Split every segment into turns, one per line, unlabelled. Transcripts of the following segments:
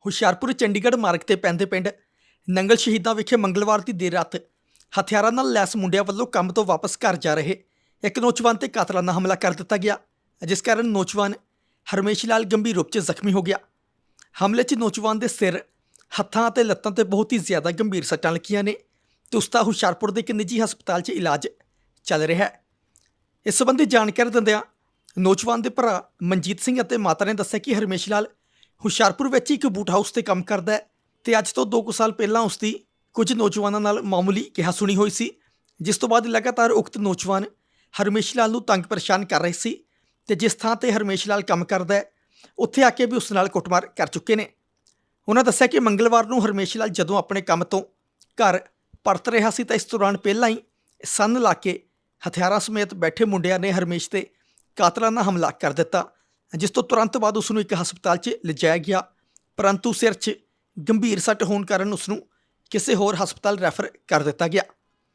ਹੁਸ਼ਿਆਰਪੁਰ ਚੰਡੀਗੜ੍ਹ ਮਾਰਗ ਤੇ ਪੈਂਦੇ ਪਿੰਡ ਨੰਗਲ ਸ਼ਹੀਦਾਂ ਵਿਖੇ ਮੰਗਲਵਾਰ ਦੀ ਦੇਰ ਰਾਤ ਹਥਿਆਰਾਂ ਨਾਲ ਲੈਸ ਮੁੰਡਿਆਂ ਵੱਲੋਂ ਕੰਮ ਤੋਂ ਵਾਪਸ ਘਰ ਜਾ ਰਹੇ ਇੱਕ ਨੌਜਵਾਨ ਤੇ ਕਾਤਲਾਨਾ ਹਮਲਾ ਕਰ ਦਿੱਤਾ ਗਿਆ, ਜਿਸ ਕਾਰਨ ਨੌਜਵਾਨ ਹਰਮੇਸ਼ ਲਾਲ ਗੰਭੀਰ ਰੂਪ 'ਚ ਜ਼ਖਮੀ ਹੋ ਗਿਆ। ਹਮਲੇ 'ਚ ਨੌਜਵਾਨ ਦੇ ਸਿਰ, ਹੱਥਾਂ ਅਤੇ ਲੱਤਾਂ ਤੇ ਬਹੁਤ ਹੀ ਜ਼ਿਆਦਾ ਗੰਭੀਰ ਸੱਟਾਂ ਲੱਗੀਆਂ ਨੇ ਤੇ ਉਸ ਦਾ ਹੁਸ਼ਿਆਰਪੁਰ ਦੇ ਇੱਕ ਨਿੱਜੀ ਹਸਪਤਾਲ 'ਚ ਇਲਾਜ ਚੱਲ ਰਿਹਾ ਹੈ। ਇਸ ਸੰਬੰਧੀ ਜਾਣਕਾਰੀ ਦਿੰਦਿਆਂ ਨੌਜਵਾਨ ਦੇ ਭਰਾ ਮਨਜੀਤ ਸਿੰਘ ਅਤੇ ਮਾਤਾ ਨੇ ਦੱਸਿਆ ਕਿ ਹਰਮੇਸ਼ ਲਾਲ ਹੁਸ਼ਿਆਰਪੁਰ ਵਿੱਚ ਇੱਕ ਬੂਟ ਹਾਊਸ ਤੇ ਕੰਮ ਕਰਦਾ ਹੈ ਤੇ ਅੱਜ ਤੋਂ 2 ਸਾਲ ਪਹਿਲਾਂ ਉਸ ਦੀ ਕੁਝ ਨੌਜਵਾਨਾਂ ਨਾਲ ਮਾਮੂਲੀ ਕਿਹਾ ਸੁਣੀ ਹੋਈ ਸੀ, ਜਿਸ ਤੋਂ ਬਾਅਦ ਲਗਾਤਾਰ ਉਕਤ ਨੌਜਵਾਨ ਹਰਮੇਸ਼ ਲਾਲ ਨੂੰ ਤੰਗ ਪਰੇਸ਼ਾਨ ਕਰ ਰਹੇ ਸੀ ਤੇ ਜਿਸ ਥਾਂ ਤੇ ਹਰਮੇਸ਼ ਲਾਲ ਕੰਮ ਕਰਦਾ ਹੈ ਉੱਥੇ ਆ ਕੇ ਵੀ ਉਸ ਨਾਲ ਕੁੱਟਮਾਰ ਕਰ ਚੁੱਕੇ ਨੇ। ਉਹਨਾਂ ਦੱਸਿਆ ਕਿ ਮੰਗਲਵਾਰ ਨੂੰ ਹਰਮੇਸ਼ ਲਾਲ ਜਦੋਂ ਆਪਣੇ ਕੰਮ ਤੋਂ ਘਰ ਪਰਤ ਰਿਹਾ ਸੀ ਤਾਂ ਇਸ ਦੌਰਾਨ ਪਹਿਲਾਂ ਹੀ ਸੰਨ ਲਾ ਕੇ ਹਥਿਆਰਾਂ ਸਮੇਤ ਬੈਠੇ ਮੁੰਡਿਆਂ ਨੇ ਹਰਮੇਸ਼ ਤੇ ਕਾਤਲਾਨਾ ਹਮਲਾ ਕਰ ਦਿੱਤਾ, ਜਿਸ ਤੋਂ ਤੁਰੰਤ ਬਾਅਦ ਉਸ ਨੂੰ ਇੱਕ ਹਸਪਤਾਲ 'ਚ ਲਿਜਾਇਆ ਗਿਆ, ਪਰੰਤੂ ਸਿਰ 'ਚ ਗੰਭੀਰ ਸੱਟ ਹੋਣ ਕਾਰਨ ਉਸ ਨੂੰ ਕਿਸੇ ਹੋਰ ਹਸਪਤਾਲ ਰੈਫਰ ਕਰ ਦਿੱਤਾ ਗਿਆ।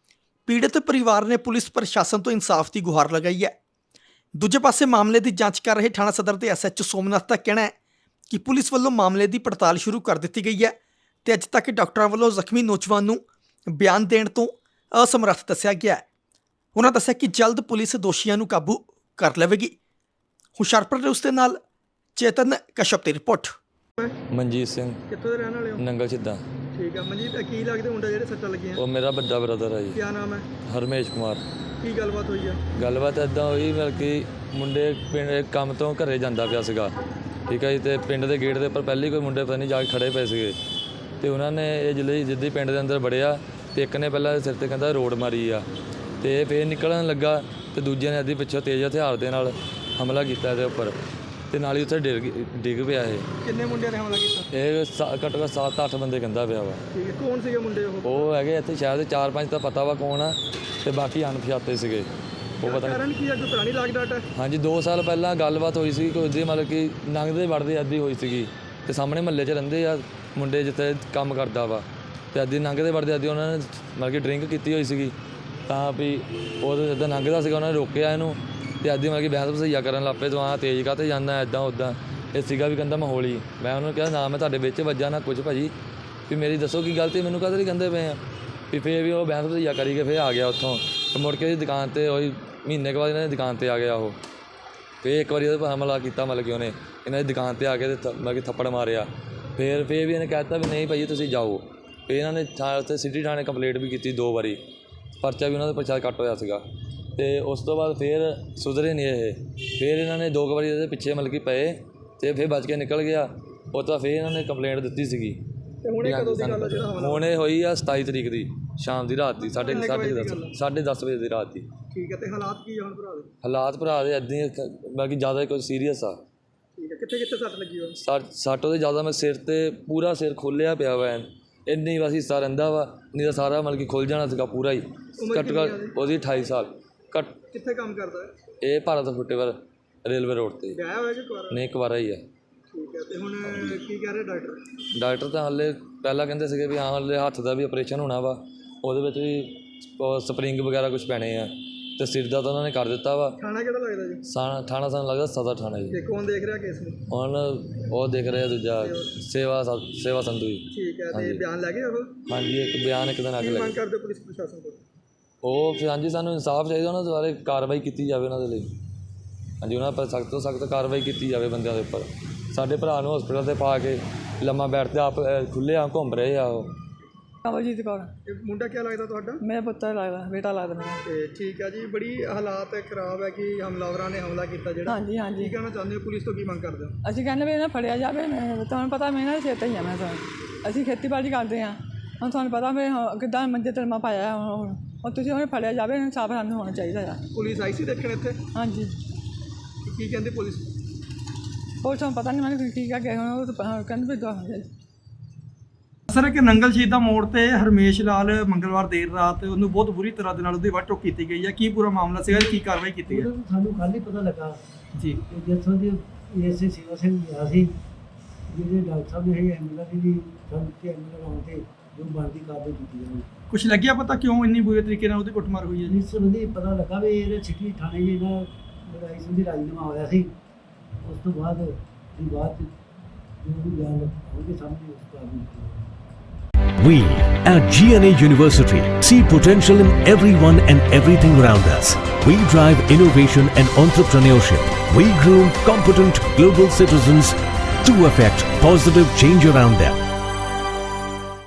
ਪੀੜਤ ਪਰਿਵਾਰ ਨੇ ਪੁਲਿਸ ਪ੍ਰਸ਼ਾਸਨ ਤੋਂ ਇਨਸਾਫ ਦੀ ਗੁਹਾਰ ਲਗਾਈ ਹੈ। ਦੂਜੇ ਪਾਸੇ ਮਾਮਲੇ ਦੀ ਜਾਂਚ ਕਰ ਰਹੇ ਥਾਣਾ ਸਦਰ ਦੇ ਐਸਐਚਓ ਸੋਮਨਾਥ ਦਾ ਕਹਿਣਾ ਹੈ ਕਿ ਪੁਲਿਸ ਵੱਲੋਂ ਮਾਮਲੇ ਦੀ ਪੜਤਾਲ ਸ਼ੁਰੂ ਕਰ ਦਿੱਤੀ ਗਈ ਹੈ ਤੇ ਅੱਜ ਤੱਕ ਡਾਕਟਰਾਂ ਵੱਲੋਂ ਜ਼ਖਮੀ ਨੌਜਵਾਨ ਨੂੰ ਬਿਆਨ ਦੇਣ ਤੋਂ ਅਸਮਰੱਥ ਦੱਸਿਆ ਗਿਆ ਹੈ। ਉਹਨਾਂ ਦੱਸਿਆ ਕਿ ਜਲਦ ਪੁਲਿਸ ਦੋਸ਼ੀਆਂ ਨੂੰ ਕਾਬੂ ਕਰ ਲਵੇਗੀ। ਹੁਸ਼ਿਆਰਪੁਰ ਦੇ ਉਸ ਦੇ ਨਾਲ ਚੇਤਨ ਕਸ਼ਪ ਦੀ ਰਿਪੋਰਟ।
ਮਨਜੀਤ ਸਿੰਘ
ਕਿੱਥੋਂ ਦੇ ਰਹਿਣ ਵਾਲੇ ਹੋ?
ਨੰਗਲ ਸਿੱਧਾ।
ਠੀਕ ਹੈ ਮਨਜੀਤ, ਕੀ ਲੱਗਦੇ ਮੁੰਡਾ ਜਿਹੜੇ ਸੱਟਾਂ ਲੱਗੀਆਂ?
ਉਹ ਮੇਰਾ ਵੱਡਾ ਬ੍ਰਦਰ ਹੈ ਜੀ।
ਕੀ ਨਾਮ ਹੈ?
ਹਰਮੇਸ਼ ਕੁਮਾਰ।
ਕੀ ਗੱਲਬਾਤ ਹੋਈ ਹੈ?
ਗੱਲਬਾਤ ਇੱਦਾਂ ਹੋਈ ਮਤਲਬ ਕਿ ਮੁੰਡੇ ਪਿੰਡ ਕੰਮ ਤੋਂ ਘਰੇ ਜਾਂਦਾ ਪਿਆ ਸੀਗਾ, ਠੀਕ ਹੈ ਜੀ, ਅਤੇ ਪਿੰਡ ਦੇ ਗੇਟ ਦੇ ਉੱਪਰ ਪਹਿਲੀ ਕੋਈ ਮੁੰਡੇ ਪਤਾ ਨਹੀਂ ਜਾ ਕੇ ਖੜ੍ਹੇ ਪਏ ਸੀਗੇ ਅਤੇ ਉਹਨਾਂ ਨੇ ਇਹ ਜਿੱਦਾਂ ਪਿੰਡ ਦੇ ਅੰਦਰ ਵੜਿਆ ਅਤੇ ਇੱਕ ਨੇ ਪਹਿਲਾਂ ਸਿਰ 'ਤੇ ਕਹਿੰਦਾ ਰੋਡ ਮਾਰੀ ਆ ਅਤੇ ਫੇਰ ਨਿਕਲਣ ਲੱਗਾ ਅਤੇ ਦੂਜੇ ਨੇ ਅੱਧੀ ਪਿੱਛੋਂ ਤੇਜ਼ ਹਥਿਆਰ ਦੇ ਨਾਲ ਹਮਲਾ ਕੀਤਾ ਇਹਦੇ ਉੱਪਰ ਅਤੇ ਨਾਲ ਹੀ ਉੱਥੇ ਡਿੱਗ ਪਿਆ ਇਹ।
ਕਿੰਨੇ ਮੁੰਡਿਆਂ ਨੇ ਹਮਲਾ ਕੀਤਾ?
ਇਹ ਘੱਟੋ ਘੱਟ 7-8 ਬੰਦੇ ਕਹਿੰਦਾ ਪਿਆ ਵਾ।
ਠੀਕ ਹੈ, ਕੌਣ ਸੀਗੇ ਮੁੰਡੇ?
ਉਹ ਹੈਗੇ ਇੱਥੇ ਸ਼ਾਇਦ 4-5 ਤਾਂ ਪਤਾ ਵਾ ਕੌਣ ਆ ਅਤੇ ਬਾਕੀ ਅਣਪਛਾਤੇ ਸੀਗੇ। ਉਹ ਪਤਾ
ਕਾਰਨ ਕੀ ਹੈ? ਕੋਈ ਪੁਰਾਣੀ ਲਾਗ ਡਾਟ ਹੈ?
ਹਾਂਜੀ, 2 ਸਾਲ ਪਹਿਲਾਂ ਗੱਲਬਾਤ ਹੋਈ ਸੀ ਕੋਈ ਉਹਦੀ, ਮਤਲਬ ਕਿ ਲੰਘਦੇ ਵੜਦੇ ਅੱਧੀ ਹੋਈ ਸੀਗੀ ਅਤੇ ਸਾਹਮਣੇ ਮਹੱਲੇ 'ਚ ਰਹਿੰਦੇ ਆ ਮੁੰਡੇ ਜਿੱਥੇ ਕੰਮ ਕਰਦਾ ਵਾ ਅਤੇ ਅੱਧੀ ਲੰਘਦੇ ਵੜਦੇ ਅੱਧੀ ਉਹਨਾਂ ਨੇ ਮਤਲਬ ਕਿ ਡਰਿੰਕ ਕੀਤੀ ਹੋਈ ਸੀਗੀ ਤਾਂ ਵੀ ਉਹ ਜਿੱਦਾਂ ਲੰਘਦਾ ਸੀਗਾ ਉਹਨਾਂ ਨੇ ਰੋਕਿਆ ਇਹਨੂੰ ਅਤੇ ਅੱਧੀ ਮਤਲਬ ਕਿ ਬਹਿਸ ਵਸਈਆ ਕਰਨ ਲੱਗ ਪਏ, ਤੂੰ ਆਹ ਤੇਜ਼ ਕਾਹਤੇ ਜਾਂਦਾ ਇੱਦਾਂ ਉੱਦਾਂ। ਇਹ ਸੀਗਾ ਵੀ ਕਹਿੰਦਾ ਮਾਹੌਲੀ। ਮੈਂ ਉਹਨੂੰ ਕਿਹਾ ਨਾ ਮੈਂ ਤੁਹਾਡੇ ਵਿੱਚ ਵੱਜਾ ਨਾ ਕੁਝ ਭਾਜੀ, ਵੀ ਮੇਰੀ ਦੱਸੋ ਕੀ ਗਲਤੀ, ਮੈਨੂੰ ਕਾਹਦੇ ਲਈ ਕਹਿੰਦੇ ਪਏ ਆ ਵੀ। ਫਿਰ ਵੀ ਉਹ ਬਹਿਸ ਵਸਈਆ ਕਰੀ ਕੇ ਫਿਰ ਆ ਗਿਆ ਉੱਥੋਂ ਅਤੇ ਮੁੜ ਕੇ ਉਹਦੀ ਦੁਕਾਨ 'ਤੇ ਉਹੀ ਮਹੀਨੇ ਕੁ ਬਾਅਦ ਇਹਨਾਂ ਦੀ ਦੁਕਾਨ 'ਤੇ ਆ ਗਿਆ ਉਹ। ਫਿਰ ਇੱਕ ਵਾਰੀ ਉਹਦੇ ਪਰ ਹਮਲਾ ਕੀਤਾ, ਮਤਲਬ ਕਿ ਉਹਨੇ ਇਹਨਾਂ ਦੀ ਦੁਕਾਨ 'ਤੇ ਆ ਕੇ ਮਤਲਬ ਕਿ ਥੱਪੜ ਮਾਰਿਆ। ਫਿਰ ਵੀ ਇਹਨੇ ਕਹਿ ਦਿੱਤਾ ਵੀ ਨਹੀਂ ਭਾਈ ਤੁਸੀਂ ਜਾਓ। ਫਿਰ ਇਹਨਾਂ ਨੇ ਉੱਥੇ ਸਿਟੀ ਥਾਣੇ ਕੰਪਲੇਂਟ ਵੀ ਕੀਤੀ 2 ਵਾਰੀ, ਪਰਚਾ ਵੀ ਉਹਨਾਂ ਦਾ ਪਰਚਾ ਕੱਟ ਹੋਇਆ ਸੀਗਾ ਅਤੇ ਉਸ ਤੋਂ ਬਾਅਦ ਫਿਰ ਸੁਧਰੇ ਨਹੀਂ ਇਹ। ਫਿਰ ਇਹਨਾਂ ਨੇ 2 ਵਾਰੀ ਇਹਦੇ ਪਿੱਛੇ ਮਤਲਬ ਕਿ ਪਏ ਅਤੇ ਫਿਰ ਬਚ ਕੇ ਨਿਕਲ ਗਿਆ। ਉਹ ਤੋਂ ਫਿਰ ਇਹਨਾਂ ਨੇ ਕੰਪਲੇਂਟ ਦਿੱਤੀ ਸੀਗੀ। ਹੁਣ ਇਹ ਹੋਈ ਆ 27 ਤਰੀਕ ਦੀ ਸ਼ਾਮ ਦੀ ਰਾਤ ਦੀ 10:30 ਵਜੇ ਦੀ ਰਾਤ ਦੀ।
ਠੀਕ ਹੈ, ਤੇ ਹਾਲਾਤ ਕੀ ਹਨ ਭਰਾ ਦੇ?
ਹਾਲਾਤ ਭਰਾ ਦੇ ਇੱਦਾਂ ਹੀ, ਬਾਕੀ ਜ਼ਿਆਦਾ ਕੋਈ ਸੀਰੀਅਸ ਆ।
ਠੀਕ ਹੈ, ਕਿੱਥੇ ਸੱਟ ਲੱਗੀ ਹੋਈ?
ਸੱਟ ਉਹਦੇ ਜ਼ਿਆਦਾ, ਮੈਂ ਸਿਰ 'ਤੇ ਪੂਰਾ ਸਿਰ ਖੋਲ੍ਹਿਆ ਪਿਆ ਵਾ, ਇੰਨੀ ਬਸ ਹਿੱਸਾ ਰਹਿੰਦਾ ਵਾ, ਨਹੀਂ ਤਾਂ ਸਾਰਾ ਮਤਲਬ ਕਿ ਖੁੱਲ੍ਹ ਜਾਣਾ ਸੀਗਾ ਪੂਰਾ ਹੀ। ਘੱਟੋ ਘੱਟ ਉਹਦੀ 28 ਸਾਲ।
ਕਿੱਥੇ ਕੰਮ ਕਰਦਾ ਹੈ?
ਇਹ ਭਾਰਤ ਫੁੱਟੇਵਰ ਰੇਲਵੇ ਰੋਡ 'ਤੇ।
ਵਿਆਹਿਆ ਹੋਇਆ ਕਿ ਕੁਆਰਾ?
ਨਹੀਂ, ਕੁਆਰਾ ਹੀ ਆ।
ਠੀਕ ਹੈ, ਤੇ ਹੁਣ ਕੀ ਕਹਿ ਰਹੇ ਡਾਕਟਰ?
ਡਾਕਟਰ ਤਾਂ ਹਾਲੇ ਪਹਿਲਾਂ ਕਹਿੰਦੇ ਸੀਗੇ ਵੀ ਹਾਂ ਹਾਲੇ ਹੱਥ ਦਾ ਵੀ ਆਪਰੇਸ਼ਨ ਹੋਣਾ ਵਾ, ਉਹਦੇ ਵਿੱਚ ਵੀ ਸਪਰਿੰਗ ਵਗੈਰਾ ਕੁਛ ਪੈਣੇ ਆ ਅਤੇ ਸਿਰ ਦਾ ਤਾਂ ਉਹਨਾਂ ਨੇ ਕਰ ਦਿੱਤਾ ਵਾ।
ਥਾਣਾ ਕਿਹੜਾ ਲੱਗਦਾ ਜੀ?
ਥਾਣਾ ਸਾਨੂੰ ਲੱਗਦਾ ਸਦਰ ਥਾਣਾ ਜੀ।
ਤੇ ਕੌਣ ਦੇਖ ਰਿਹਾ ਕੇਸ ਨੂੰ?
ਹੁਣ ਉਹ ਦੇਖ ਰਿਹਾ ਦੂਜਾ ਸੇਵਾ ਸੰਧੂ ਜੀ।
ਠੀਕ ਹੈ, ਤੇ ਬਿਆਨ ਲੈ ਗਏ ਉਹ?
ਹਾਂਜੀ, ਇੱਕ ਬਿਆਨ ਇੱਕ ਦਿਨ ਅੱਗੇ ਲੈ
ਮੰਗ ਕਰਦੇ ਪੁਲਿਸ ਪ੍ਰਸ਼ਾਸਨ ਤੋਂ?
ਉਹ ਫਿਰ ਹਾਂਜੀ, ਸਾਨੂੰ ਇਨਸਾਫ ਚਾਹੀਦਾ, ਉਹਨਾਂ ਦੇ ਬਾਰੇ ਕਾਰਵਾਈ ਕੀਤੀ ਜਾਵੇ ਉਹਨਾਂ ਦੇ ਲਈ। ਹਾਂਜੀ, ਉਹਨਾਂ ਪਰ ਸਖਤ ਤੋਂ ਸਖਤ ਕਾਰਵਾਈ ਕੀਤੀ ਜਾਵੇ ਬੰਦਿਆਂ ਦੇ ਉੱਪਰ। ਸਾਡੇ ਭਰਾ ਨੂੰ ਹਸਪੀਟਲ 'ਤੇ ਪਾ ਕੇ ਲੰਮਾ ਬੈਠਦੇ ਆਪ ਖੁੱਲ੍ਹੇ ਆ ਘੁੰਮ ਰਹੇ ਆ ਉਹ।
ਕਮਲਜੀਤ ਕੌਰ।
ਮੁੰਡਾ ਕੀ ਲੱਗਦਾ ਤੁਹਾਡਾ?
ਮੇਰਾ ਪੁੱਤਰ ਲੱਗਦਾ, ਬੇਟਾ ਲੱਗਦਾ ਮੇਰਾ।
ਤੇ ਠੀਕ ਹੈ ਜੀ, ਬੜੀ ਹਾਲਾਤ ਖਰਾਬ ਹੈ ਕਿ ਹਮਲਾਵਰਾਂ ਨੇ ਹਮਲਾ ਕੀਤਾ ਜਿਹੜਾ।
ਹਾਂਜੀ ਹਾਂਜੀ।
ਕੀ ਕਹਿਣਾ ਚਾਹੁੰਦੇ ਹੋ? ਪੁਲਿਸ ਤੋਂ ਕੀ ਮੰਗ ਕਰਦੇ ਹੋ?
ਅਸੀਂ ਕਹਿੰਦੇ ਵੀ ਇਹਨਾਂ ਫੜਿਆ ਜਾਵੇ। ਤੁਹਾਨੂੰ ਪਤਾ ਮੈਂ ਇਹਨਾਂ ਦੇ ਸਿਰ 'ਤੇ ਹੀ ਆ। ਅਸੀਂ ਖੇਤੀਬਾੜੀ ਕਰਦੇ ਹਾਂ, ਹੁਣ ਤੁਹਾਨੂੰ ਪਤਾ ਵੀ ਕਿੱਦਾਂ ਮੰਜੇ ਤਲਮਾ ਪਾਇਆ ਹੁਣ ਤੁਸੀਂ ਉਹਨੇ ਫੜਿਆ ਜਾਵੇ, ਇਨਸਾਫ ਸਾਨੂੰ ਹੋਣਾ ਚਾਹੀਦਾ ਆ।
ਪੁਲਿਸ ਆਈ ਸੀ ਦੇਖਣ ਇੱਥੇ?
ਹਾਂਜੀ।
ਕੀ ਕਹਿੰਦੀ ਪੁਲਿਸ?
ਪੁਲਿਸ ਨੂੰ ਪਤਾ ਨਹੀਂ ਮੈਨੂੰ ਕੀ ਕਹਿ ਗਏ ਹੁਣ, ਉਹ ਤਾਂ ਕਹਿੰਦੇ ਵੀ
ਸਰ, ਕਿ ਨੰਗਲ ਸ਼ਹੀਦਾ ਮੋੜ ਤੇ ਹਰਮੇਸ਼ ਲਾਲ ਮੰਗਲਵਾਰ ਦੇਰ ਰਾਤ ਉਹਨੂੰ ਬਹੁਤ ਬੁਰੀ ਤਰ੍ਹਾਂ ਦੇ ਨਾਲ ਉਹਦੀ ਵੱਢ ਟੋਕ ਕੀਤੀ ਗਈ ਹੈ। ਕੀ ਪੂਰਾ ਮਾਮਲਾ ਸੀਗਾ, ਕੀ ਕਾਰਵਾਈ ਕੀਤੀ ਹੈ?
ਸਾਨੂੰ ਕੱਲ੍ਹ ਹੀ ਪਤਾ ਲੱਗਾ
ਜੀ।
ਜਿੱਥੋਂ ਦੀ ਐਸਏ ਸੇਵਾ ਸਿੰਘ ਗਿਆ ਸੀ, ਜਿਹੜੇ ਡਾਕਟਰ ਸਾਹਿਬ ਨੇ ਐਂਬੂਲੈਂਸ ਦੀ ਸਾਨੂੰ ਤੇ ਐਂਬੂਲੈਂਸ ਆਉਣ 'ਤੇ ਜੋ ਬਣਦੀ ਕਾਰਵਾਈ ਕੀਤੀ ਜਾਵੇ।
ਕੁਛ ਲੱਗਿਆ ਪਤਾ ਕਿਉਂ ਇੰਨੀ ਬੁਰੇ ਤਰੀਕੇ ਨਾਲ ਉਹਦੀ ਕੁੱਟਮਾਰ ਹੋਈ ਹੈ?
ਇਸ ਸੰਬੰਧੀ ਪਤਾ ਲੱਗਾ ਵੀ ਇਹਦੇ ਸਿਟੀ ਥਾਣੇ 'ਚ ਇਹਨਾਂ ਲੜਾਈ ਸੰਬੰਧੀ ਰਾਜੀਨਾਮਾ ਹੋਇਆ ਸੀ। ਉਸ ਤੋਂ ਬਾਅਦ ਜੋ ਵੀ ਗੱਲ ਆਉਣਗੇ ਸਾਹਮਣੇ ਉਸ ਕਾਰਨ ਕੀਤੀ ਜਾਊਗੀ।
We at GNA University see potential in everyone and everything around us. We drive innovation and entrepreneurship. We groom competent global citizens to affect positive change around them.